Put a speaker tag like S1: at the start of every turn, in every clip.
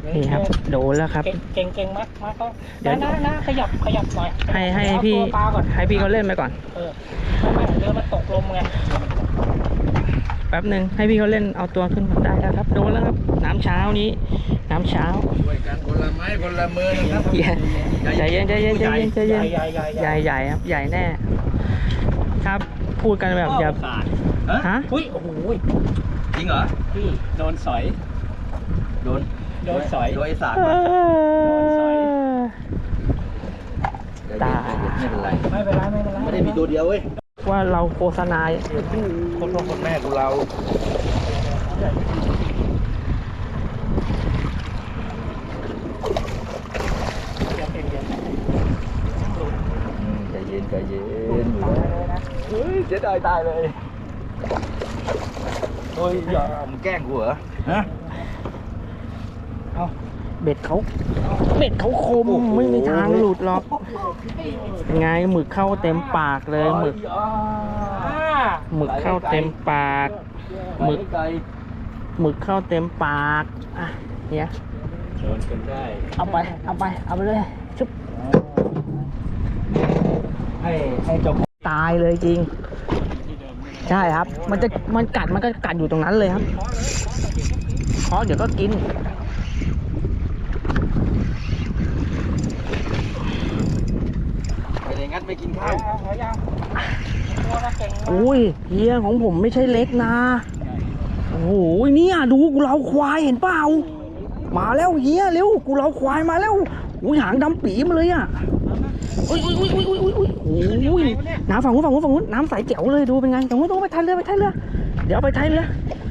S1: นี่ครับโดนแล้วครับ
S2: เก่งมากก็เดี๋ยวนะขยับหน่อย
S1: ให้พี่ให้พี่เขาเล่นไปก่อน
S2: ไม่เรือมันตกลมไง
S1: แป๊บหนึ่งให้พี่เขาเล่นเอาตัวขึ้นได้แล้วครับโดนแล้วครับน้ำเช้านี้น้ำเช้า
S3: ช่วยกันคนละไม้คนละมือนะครับ
S1: ใจเย็นใหญ่ครับใหญ่แน่ครับพูดกันแบบอย่าฮะ
S2: อุ้ยโอ้โห
S3: จริงเหรอ
S2: พี่โดนสอย
S3: โดน
S2: สอย
S3: โดนไอ้สาร
S1: ตาย
S2: ไม่เป็นไร
S3: ไม่ได้มีตัวเดียวเว้ย
S1: ว่าเราโฆษณา
S3: คนพ่อคนแม่ของเราใจเย็นเฮ้ยเสียดายตายเลยโอ้ยอย่ามึงแกล้งกูเหรอฮะ
S1: เอาเบ็ดเขาคมไม่มีทางหลุดหรอกไงหมึกเข้าเต็มปากเลยหมึกเข้าเต็มปากหมึกเข้าเต็มปากอ่ะเนี่ย
S3: โดนกันได้
S1: เอาไปเลยชุบ
S3: ให้จบ
S1: ตายเลยจริงใช่ครับมันก็กัดอยู่ตรงนั้นเลยครับเพราะเดี๋ยวก็กิน
S3: งัดไปกินข้าว
S1: อุ้ยเฮียของผมไม่ใช่เล็กนะโอ้โหเนี่ยดูกูเราควายเห็นเปล่ามาแล้วเฮียเร็วกูเราควายมาแล้วอุ้ยหางดำปีมาเลยอ่ะอุ้ยน้ำฝั่งนู้นน้ำใสแจ๋วเลยดูเป็นไงตรงนู้นไปท้ายเรือเดี๋ยวไปท้ายเรือ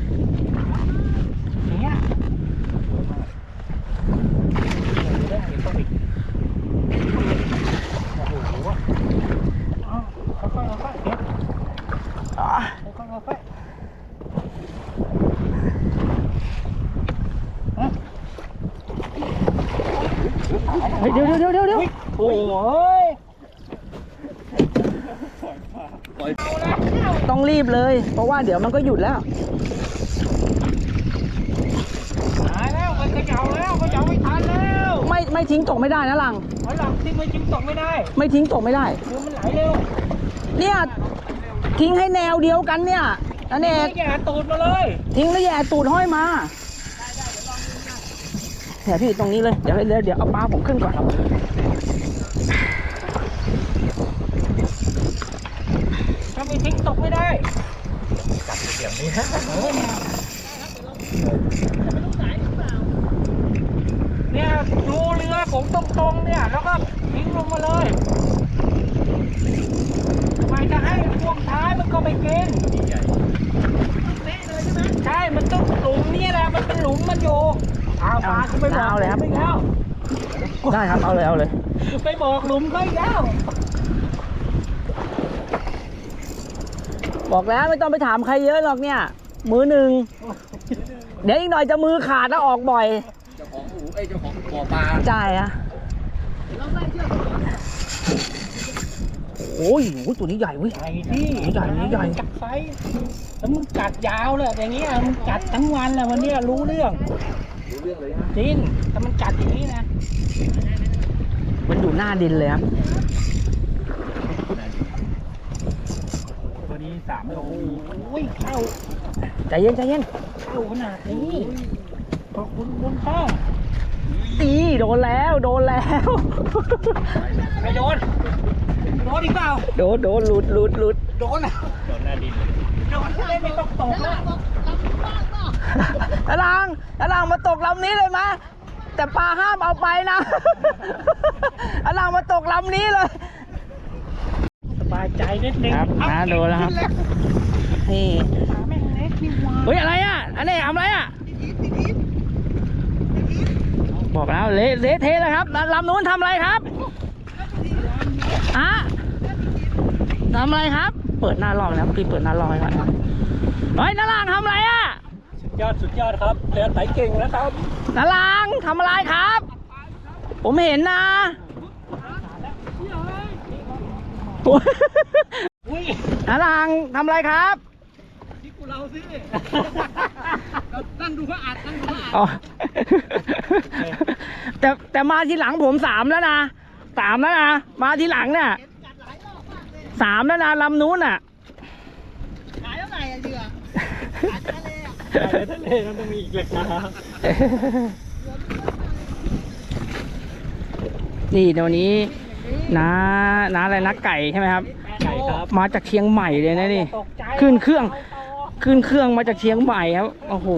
S1: เดี๋ยวโอ้ยต้องรีบเลยเพราะว่าเดี๋ยวมันก็หยุดแล้ว
S2: ตายแล้วมันเขย่าไม่ทันแล้ว
S1: ไม่ทิ้งตกไม่ได้นะหลัง
S2: ทิ้งไม่ทิ้งตกไม่ได้
S1: คือ
S2: มันไหลเร็ว
S1: เนี่ยทิ้งให้แนวเดียวกันเนี่ยนั่นเอง
S2: แย่ตูดมาเลย
S1: ทิ้งแล้วแย่ตูดห้อยมาเนี่ยพี่ตรงนี้เลยเดี๋ยวเอาปลาผมขึ้นก่อน
S2: ถ้าไม่ทิ้งตกไม่ได้
S3: จับเสียงนี้
S2: เนี่ยดูเรือผมตรงๆเนี่ยแล้วก็ทิ้งลงมาเลยไม่จะให้พวกท้ายมันก็ไปกินใช่มันต้องหลุมนี่แหละมันเป็นหลุมมันอยู่เอาปลาไปบอก
S1: เลยครับได้ครับเอาเลย
S2: ไปบอกหลุมเขาอีกแล้ว
S1: บอกแล้วไม่ต้องไปถามใครเยอะหรอกเนี่ยมือหนึ่งเดี๋ยวอีกหน่อยจะมือขาดแล้วออกบ่อย
S3: เจ้าของหูเจ้าของบ่อปลา
S1: ใช่อะโอ้ยตัวนี้ใหญ่เว้ย
S2: ใหญ่ที่
S1: ใหญ่
S2: กัดไฟแล้วมึงกัดยาวเลยอย่างเงี้ยมึงกัดทั้งวันเลยวันนี้รู้เรื่อง
S3: เลยฮะ
S2: จริงถ้ามันกัดอย่างนี้นะ
S1: มันอยู่หน้าดินเลยครับ
S2: ตัวนี้3 โลเข้า
S1: ใจเย็น
S2: เข้าขนาดนี้ขอบคุณคุณพ่อ
S1: โดนแล้ว
S2: ไม่โดนอีกเปล่า
S1: โดนหลุด
S2: โดนหน้าดินโดนไม่ต้องตก
S1: แล้วตะลังมาตกลำนี้เลยมั้ยแต่ปลาห้ามเอาไปนะตะลังมาตกลำนี้เลย
S2: สบายใจนิดนึง
S1: ครับโดนแล้วครับนี่เฮ้ยอะไรอ่ะอันนี้ทำอะไรอ่ะบอกแล้วเละเทเลยครับลำนู้นทำอะไรครับทำอะไรครับเปิดหน้าลอยแล้วพี่เปิดหน้าลอยก่อนเฮ้ยนาลางทำอะไรอ่ะ
S2: สุดยอดครับเรือไต่เก่งแล้วครับ
S1: นาลางทำอะไรครับผมเห็นนะนาลางทำอะไรครับที่กูเราสินั่งดูเขาอัดแต่มาทีหลังผม3แล้วนะ3แล้วนะมาทีหลังเนี่ย3แล้วนะลำนู้นอ่ะ
S4: ขายเท่าไหร่อะเรือขายทะเลอะ
S2: ทะเลมันต้องมีอีกราคา
S1: นี่เดี๋ยวนี้น้าอะไรนะไก่ใช่ไหมครับ
S2: ไก่ครับ
S1: มาจากเชียงใหม่เลยนะนี่
S2: ตกใจ
S1: ขึ้นเครื่องมาจากเชียงใหม่ครับโอ้โห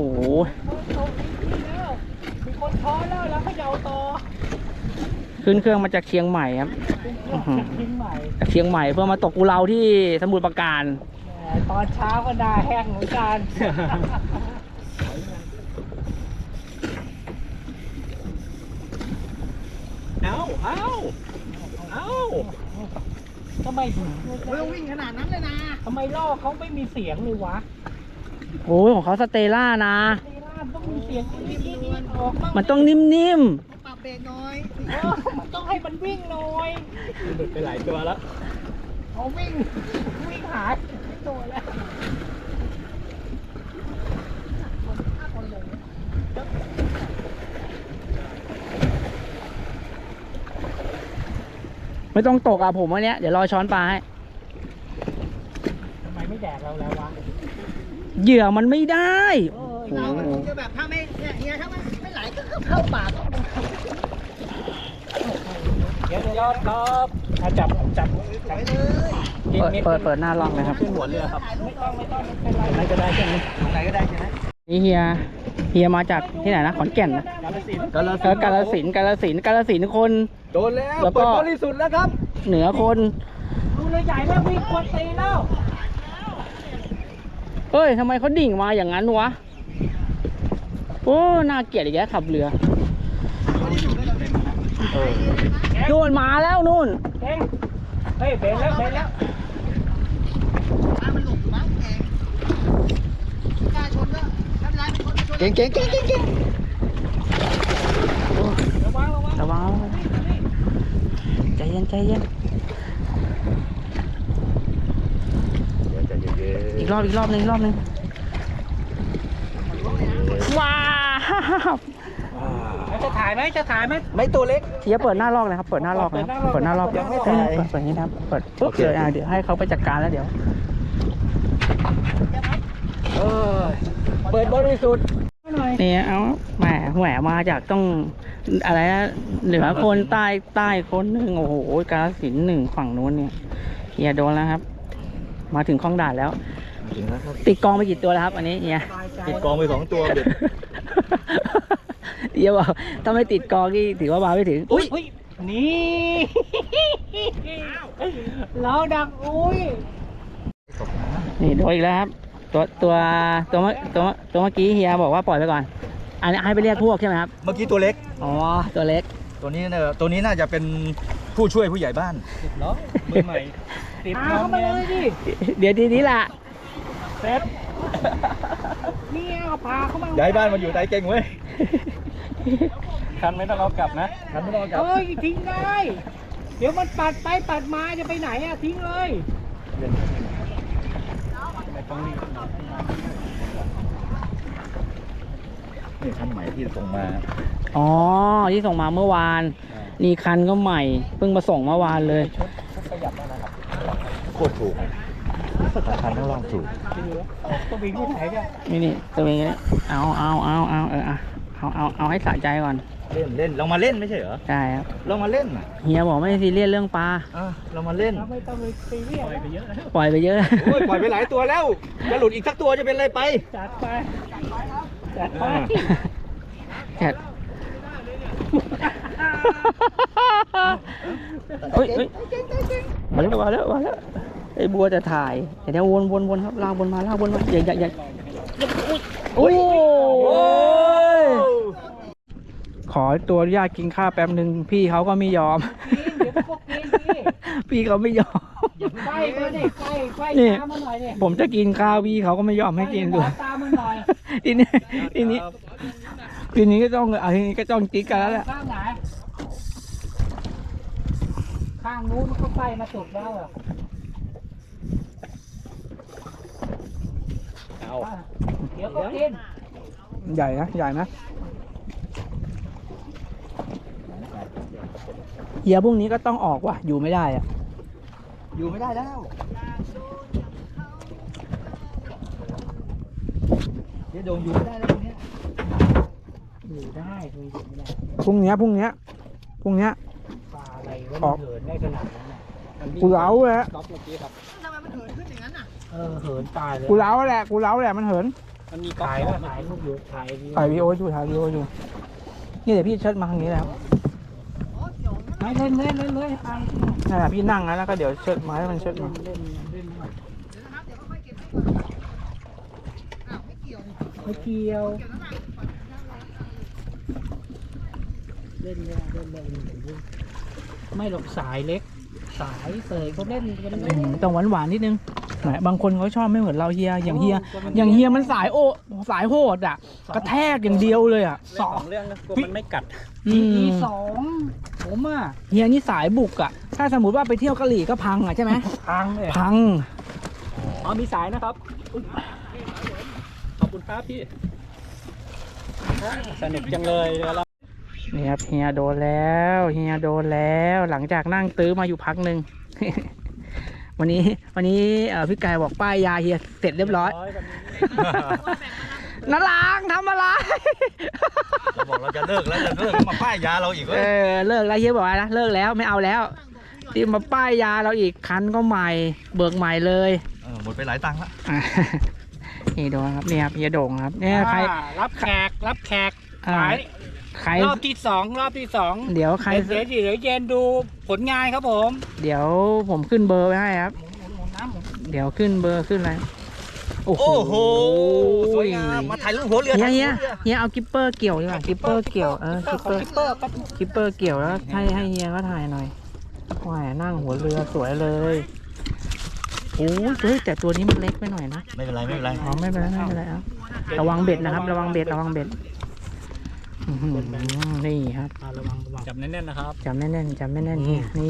S2: มีคนช้อนแล้วแล้วก็ยาวต่อ
S1: ขึ้นเครื่องมาจากเชียงใหม่ครับอื้อหือ
S2: ทิ้งใหม่
S1: จากเชียงใหม่เพื่อมาตกกุเลาที่สมุทรปราการ
S2: ตอนเช้าก็ได้แห้งเหมือนกัน เอาทำไม
S4: ไม่ต้องวิ่งขนาดนั้นเลยนะ
S2: ทำไมล่อเขาไม่มีเสียงเลยวะ
S1: โอ้ยของเขาสเตล่านะ
S2: เวลาต้องมีเสียงนิดๆออกบ้าง
S1: มันต้องนิ่ม
S4: ปรับเบรกน้อย
S2: มันต้องให้มันวิ่งหน่อยหลุดไปหลายตัวแล้วเขาวิ่งหายตัวแล้ว
S1: ๆไม่ต้องตกอ่ะผมวันเนี้ยเดี๋ยวรอช้อนปลาให้
S2: ทำไมไม่แดกเราแล้ววะ
S1: เหยื่อมันไม่ได้
S4: เรามันคงจะแบบถ้าไม่เนี่ยเฮียถ้ามันไม่ไหลก็เข้าปาก
S2: เดี๋ยวครับจับ
S1: เปิดหน้าล่องเลยครับ
S2: ขึ้นหัวเรือครับไม่ต้องเป็นไรอะไรก็ได้ใช่ไหม
S4: ไหนก็ได้ใช่ไหม
S1: นี่เฮียมาจากที่ไหนนะขอนแก่นนะ
S2: กาฬสินธุ์
S1: กาฬสินธุ์คน
S3: โดนแล้ว
S1: แล้วก็
S3: เปิดบริสุทธิ์แล้วครับ
S1: เหนือคน
S2: ดูเรือใหญ่แล้ววิ่งควรตีแล้ว
S1: เฮ้ยทำไมเขาดิ่งมาอย่างนั้นวะโอ้น่าเกลียดอีกแล้วขับเรือนู่นมาแล้วนู่น
S2: เก่งเฮ้ยเบนแล้ว
S4: ถ้ามันหลบอยู่มั้งเองกล้าชนก็ไม่เป็นไรเป็นคนชน
S3: เก่ง
S2: ระวัง
S1: ระวังใจเย็น
S3: เดี๋ยวใจเย็น
S1: อีกรอบนึงว้าว
S2: จะถ่ายไหม
S3: ไม่ตัวเล็ก
S1: เฮียเปิดหน้าลอกเลยครับเปิดหน้าลอกนะครับเปิดหน้าลอก
S3: ยังไม่ถ่าย
S1: เปิดอย่างนี้นะครับเปิดปุ๊บเดี๋ยวให้เขาไปจัดการแล้วเดี๋ยว
S3: เปิดบริสุทธิ์
S1: นี่เอาแหมมาจากต้องอะไรนะเหนือคนใต้คนหนึ่งโอ้โหกาฬสินธุ์หนึ่งฝั่งนู้นเนี่ยเฮียโดนแล้วครับ มาถึงคลองด่านแล้ว
S3: ถึงแล้วครับ
S1: ติดกองไปกี่ตัวแล้วครับอันนี้เฮีย
S3: ติดกองไป2 ตัวเด็ด
S1: เฮียบอกถ้าไม่ติดกองนี่ถือว่ามาไม่ถึงอุ้ย
S2: นี่เราดักอุ้ย
S1: นี่โดนอีกแล้วครับตัวเมื่อกี้เฮียบอกว่าปล่อยไปก่อนอันนี้ให้ไปเรียกพวกใช่ไหมครับ
S3: เมื่อกี้ตัวเล็ก
S1: อ๋อตัวเล็ก
S3: ตัวนี้น่าจะเป็นผู้ช่วยผู้ใหญ่บ้าน
S2: เนาะมือใหม่ติดเข้ามาเลยดิ
S1: เดี๋ยวทีนี้ล่ะ
S2: เซ็ตนี่เอาพาเข้ามา
S3: ย้ายบ้านมาอยู่ใจเก่งเว้ย
S2: คันไม่ต้องเอากลับนะ
S3: ทันไม่ต้องกลับ
S2: เฮ้ยทิ้งได้ เดี๋ยวมันปัดไปปัดมาจะไปไหนอะทิ้งเลย
S3: นี่คันใหม่ที่ส่งมา
S1: อ๋อที่ส่งมาเมื่อวานนี่คันก็ใหม่เพิ่งมาส่งเมื่อวานเลย
S3: โคตรถูกคันต้องลองถูก
S2: ตัววิ่งที่ไหนกัน
S1: นี่ตัวเองนี่เอาให้สะใจก่อน
S3: เล่นเรามาเล่นไม่ใช่เหรอ
S1: ใช่ครับ
S3: เรามาเล่นน่ะ
S1: เฮียบอกไม่ซีเรียสเรื่องปลา
S3: เรามาเล่น
S2: เราไม่ต้องไปซีเรียสไปเยอะ
S1: ปล่อยไปเยอะ
S3: โอ้ยปล่อยไปหลายตัวแล้ว จะหลุดอีกสักตัวจะเป็นอะไรไป
S2: จัดไปจัดไป
S1: แกะเฮ้ยมาแล้วไอ้บัวจะถ่ายเดี๋ยววนครับลากบนมาอย่าโอ้ยขอตัวอนุญาตกินข้าวแป๊บหนึ่งพี่เขาก็ไม่ยอม
S2: เดี๋ยวพวกกินดิ
S1: พี่เขาไม่ยอม
S2: ไฟมาดิไฟ
S1: นี่
S2: ตามมาหน่อยดิ
S1: ผมจะกินข้าวพี่เขาก็ไม่ยอมให้กินด้วย
S2: ตามมาหน่อย
S1: ทีนี้ก็ต้องจิ๊กกันแล้วแหละ
S2: ข้างไหนข้างนู้นก็ไฟมาสุกแล้วอ่ะเดี๋ยวก็กิน
S1: ใหญ่นะเฮียพวกนี้ก็ต้องออกว่ะอยู่ไม่ได้อะ
S3: อยู่ไม่ได้แล้วเดี๋ยวโดนอยู่ไม่ได้แล้วตรงเนี้ย
S2: อยู่ได้คุยอยู่ไม่ได้
S1: พรุ่งเนี้ย
S2: ปลาอะไรวะ
S1: ออก
S2: มันเหินได้ขนาดนั้นน่ะมันวิ่ง
S1: กูเล้าแหละ
S2: ก๊อฟเมื่อกี้ครับ
S4: ทำไมมันเหินขึ้นอย่างนั้นอ่ะ
S2: เหินตายเลย
S1: กูเล้าแหละมันเหิน
S2: มันมีก๊อฟถ่ายรูปอยู่ถ่ายวิว
S1: ถ่ายวีดีโออยู่นี่เดี๋ยวพี่เชิดมาทางนี้แล้ว
S4: อ๋อเดี๋ยวนะ
S2: ไม่เล่นอ่าง
S1: นั่นแหละพี่นั่งแล้วก็เดี๋ยวเชิดไม้มันเชิดมา
S2: เล่นหน่อย
S4: เดี๋ยวนะครับเดี๋ยวค่อยๆเก็บให้ก่อนอ้าวไม่เกี่ยวนี่
S2: ไม่เกี่ยว
S4: เกี่ยวแล้วนะปล่อยมันนั่งเลย
S2: เล่นไม่หรอกสายเล็ก สายเสยเขาเล่นกันเล่น
S1: แต่หวานนิดนึงไหนบางคนเขาชอบไม่เหมือนเราเฮียอย่างเฮียมันสายโหดอ่ะกระแทกอย่างเดียวเลยอ่ะ
S2: สองเรื่องนะกลัวมันไม่กัด
S1: อืม
S2: ทีสองผมอ่ะ
S1: เฮียนี่สายบุกอ่ะถ้าสมมติว่าไปเที่ยวกะหรี่ก็พังอ่ะใช่ไหม
S2: พังเลย
S1: พัง
S2: อ๋อมีสายนะครับอุ๊ยขอบคุณครับพี่สนุกจังเลยเดี๋ยวเรา
S1: นี่ครับเฮียโดนแล้วหลังจากนั่งตื้อมาอยู่พักหนึ่ง วันนี้พี่กายบอกป้ายยาเฮียเสร็จเรียบร้อยนาลางทำอะไร
S3: เราบอกเราจะเลิกแล้วมาป้ายยาเราอีกเว้ย
S1: เลิกแล้วเฮียบอกอะไรนะเลิกแล้วไม่เอาแล้วที่มาป้ายยาเราอีกคันก็ใหม่เบิกใหม่เลย
S3: หมดไปหลายตังค์ละ
S1: อ่ะนี่โดนครับเนี่ยครับเฮียโด่งครับเนี่ยใคร
S2: รับแขก
S1: อ่า
S2: สาย
S1: ใคร
S2: รอบที่สอง
S1: เดี๋ยวใคร
S2: เดี๋ยวเย็นดูผลงานครับผม
S1: เดี๋ยวผมขึ้นเบอร์ไว้ให้ครับ
S2: หมุนน้ำหมุน
S1: เดี๋ยวขึ้นเบอร์ขึ้นอะไรโอ้โห
S3: โหสวยงามมาถ่ายรูปหัวเรือ
S1: เฮียเอากิปเปอร์เกี่ยวดีกว่ากิปเปอร์เกี่ยวกิปเปอร์
S2: คิปเปอร์ก็
S1: กิปเปอร์เกี่ยวแล้วให้เฮียก็ถ่ายหน่อยว่ายนั่งหัวเรือสวยเลยโอ้ยเฮ้ยแต่ตัวนี้มันเล็กไปหน่อยนะ
S3: ไม่เป็นไรไม่เป็นไร
S1: อ๋อไม่เป็นไรครับระวังเบ็ดนะครับระวังเบ็ดอื้อหือนี่ครับ
S2: ระวังจับแน่นๆนะครับ
S1: จำแน่นเฮียนี่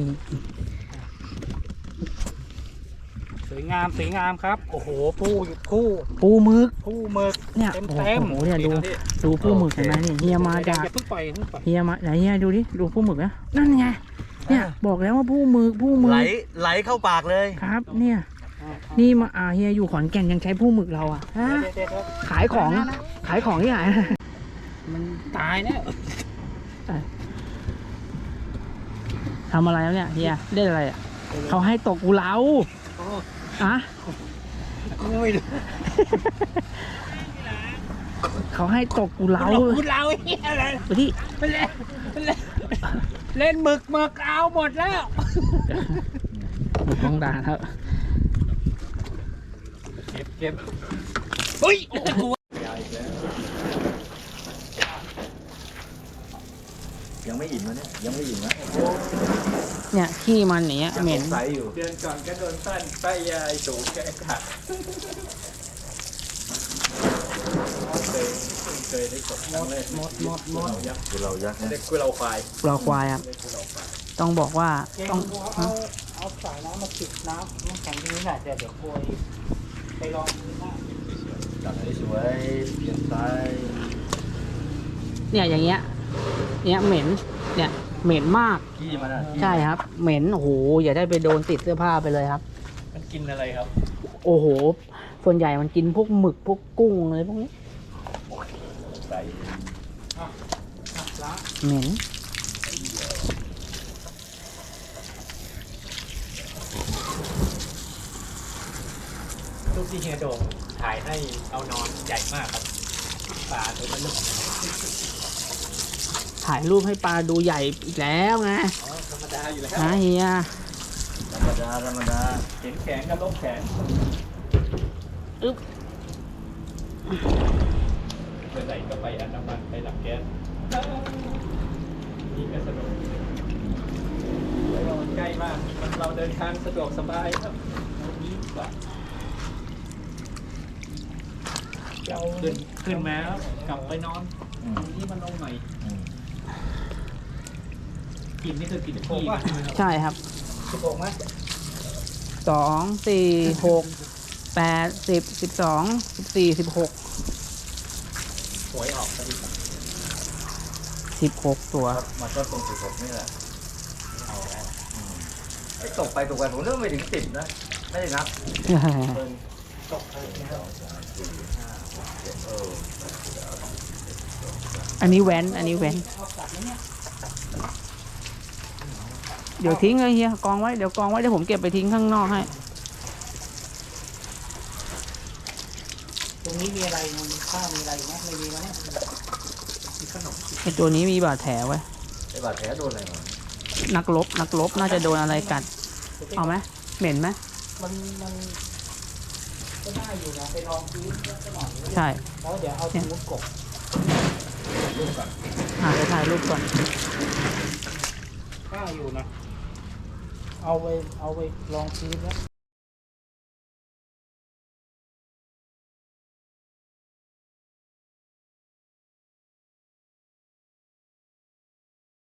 S2: สวยงามครับโอ้โหผู้
S1: ปูหมึก
S2: หมึก
S1: เนี่ย
S2: เต็ม
S1: โอ้โหเนี่ยดูปูหมึกเห็นไหมนี่เฮียมาจาก
S2: อย่าเพิ่งปล่อย
S1: เฮียมาไหนเฮียดูดิดูปูหมึกนะนั่นไงเนี่ยบอกแล้วว่าปูหมึก
S3: ไหลเข้าปากเลย
S1: ครับเนี่ยนี่มาเฮียอยู่ขอนแก่นยังใช้ปูหมึกเราอ่ะฮะขายของที่ไหน
S2: มันตายเนี่ย
S1: ทำอะไรแล้วเนี่ยเฮียเล่นอะไรอ่ะเขาให้ตกกูเราอะ
S2: ไม่รู้
S1: เขาให้ตกกูเรา
S2: คุณเราอะไร
S1: ไปที่
S2: เล่นหมึกเอาหมดแล้ว
S1: หมึกต้องด่าครับ
S2: เก็บเฮ้ย
S3: ยังไม่อิ่มนะเนี่ยยังไม่อิ่มนะ
S1: เนี่ยขี้มันอย่างเนี้ยเหม็น
S3: ใสอยู่
S2: เดือนก่อนก็โดนสั้นป้ายยายโฉมแกขาดเคยได้กดหมด
S3: คือเรายักษ์นะ
S2: เด็กคือเราควาย
S1: เราควายครับต้องบอกว่าต้อง
S2: เอาสายน้ำมาปิดน้ำแข็งที่นี่แหละเดี๋ยวโกยไปลองดูนะ
S3: จับให้สวยเปลี่ยนไซส์
S1: เนี่ยอย่างเงี้ยเนี่ยเหม็นเนี่ยเหม็นมาก
S3: ขี้มันอ่ะ
S1: ใช่ครับ เหม็นโอ้โหอย่าได้ไปโดนติดเสื้อผ้าไปเลยครับ
S2: มันกินอะไรครับ
S1: โอ้โหส่วนใหญ่มันกินพวกหมึกพวกกุ้งอะไรพวกนี้
S3: ใส่
S1: เหม็น
S2: รูปที่เฮียโด่งถ่ายให้เอานอนใหญ่มากครับปลาตัวมัน
S1: ถ่ายรูปให้ปลาดูใหญ่อีกแล้วไง
S2: ธรรมดาอยู่แล้ว
S1: นะเฮีย
S3: ธรรมดา
S2: เห็นแขนกับลบแขน
S1: อึ๊บ
S2: ไปไหนก็ไปอันดามันไปหลักแก๊สนี่ก็สนุกเราใกล้มากเราเดินทางสะดวกสบายครับนี้ดีกว่าเราขึ้นมาแล้วกลับไปนอนตรงนี้มันลงหน่อยกินนี่คือกินขี้ใช่ไหมครับ
S1: ใช่ครับ
S2: 16ไหม
S1: 2 4 6 8 10 12 14 16
S2: หวยออกพอดี
S1: 16 ตัว
S3: มันก็ตรง16นี่แหละเอาแล้วไอ้ตกไปตกไปผมเริ่มไม่ถึง10นะไม่ได้นับตกไปแล้ว
S1: อันนี้แว้น อันนี้แว้น เดี๋ยวทิ้งเลยเฮียกองไว้ เดี๋ยวกองไว้ เดี๋ยวผมเก็บไปทิ้งข้างนอกให้
S2: ตรงนี้มีอะไรมีข้าวมีอะไรไหมไม่มีแล้วมีขนม
S1: ไอตัวนี้มีบาดแผลไว้
S3: ไอ้บาดแผลโดนอะไรมา
S1: นักรบน่าจะโดนอะไรกัด เอาไหมเหม็นไหม
S2: มันก็ได้อยู่นะไปลองซื้อสักหน่อย
S1: ใช่
S2: แล้วเดี๋ยวเอาสมุดกบ
S3: ลูกก่อน
S1: เดี๋ยวถ่ายรูปก่อน
S2: ข้าอยู่นะ เอาไปลองซื้อแล้ว